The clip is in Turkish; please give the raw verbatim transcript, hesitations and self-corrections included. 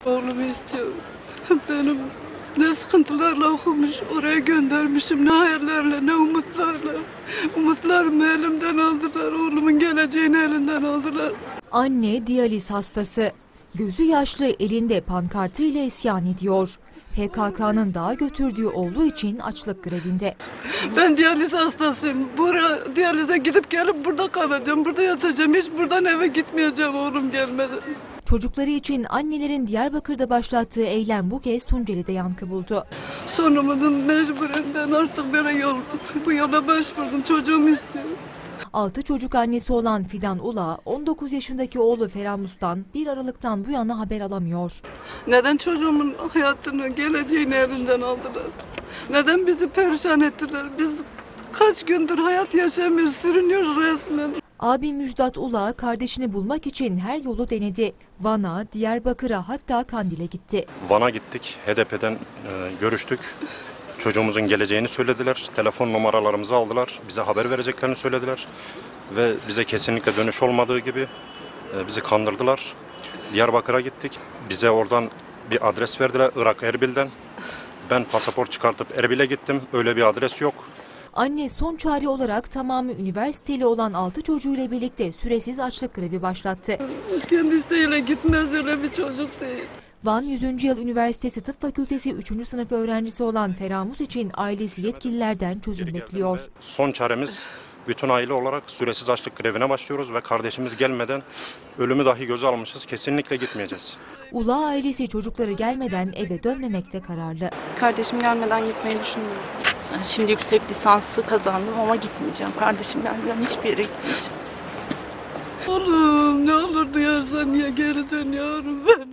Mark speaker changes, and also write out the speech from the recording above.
Speaker 1: Oğlumu istiyorum. Benim ne sıkıntılarla okumuş, oraya göndermişim, ne hayallerle, ne umutlarla. Umutlarımı elimden aldılar, oğlumun geleceğini elinden aldılar.
Speaker 2: Anne diyaliz hastası. Gözü yaşlı elinde pankartıyla isyan ediyor. P K K'nın dağa götürdüğü oğlu için açlık grevinde.
Speaker 1: Ben diyaliz hastasıyım. Buraya diyalize gidip gelip burada kalacağım, burada yatacağım. Hiç buradan eve gitmeyeceğim oğlum gelmeden.
Speaker 2: Çocukları için annelerin Diyarbakır'da başlattığı eylem bu kez Tunceli'de yankı buldu.
Speaker 1: Son umudum mecburen ben artık böyle yol, bu yola başvurdum. Çocuğumu istiyorum.
Speaker 2: Altı çocuk annesi olan Fidan Ula, on dokuz yaşındaki oğlu Feramus'tan bir Aralık'tan bu yana haber alamıyor.
Speaker 1: Neden çocuğumun hayatını, geleceğini elinden aldılar? Neden bizi perişan ettiler? Biz kaç gündür hayat yaşamıyoruz, sürünüyoruz resmen.
Speaker 2: Abi Müjdat Ula kardeşini bulmak için her yolu denedi. Van'a, Diyarbakır'a hatta Kandil'e gitti.
Speaker 3: Van'a gittik, H D P'den e, görüştük. Çocuğumuzun geleceğini söylediler. Telefon numaralarımızı aldılar. Bize haber vereceklerini söylediler. Ve bize kesinlikle dönüş olmadığı gibi e, bizi kandırdılar. Diyarbakır'a gittik. Bize oradan bir adres verdiler, Irak Erbil'den. Ben pasaport çıkartıp Erbil'e gittim. Öyle bir adres yok.
Speaker 2: Anne son çare olarak tamamı üniversiteli olan altı çocuğuyla birlikte süresiz açlık grevi başlattı.
Speaker 1: Kendi isteğiyle gitmez, öyle bir çocuk değil.
Speaker 2: Van yüzüncü Yıl Üniversitesi Tıp Fakültesi üçüncü sınıf öğrencisi olan Feramus için ailesi yetkililerden çözüm bekliyor.
Speaker 3: Son çaremiz, bütün aile olarak süresiz açlık grevine başlıyoruz ve kardeşimiz gelmeden ölümü dahi göze almışız. Kesinlikle gitmeyeceğiz.
Speaker 2: Ula ailesi çocukları gelmeden eve dönmemekte kararlı.
Speaker 4: Kardeşim gelmeden gitmeyi düşünmüyorum.
Speaker 5: Şimdi yüksek lisansı kazandım ama gitmeyeceğim. Kardeşim gelmeden hiçbir yere gitmeyeceğim.
Speaker 1: Oğlum ne olur duyarsan niye geri dönüyorum ben?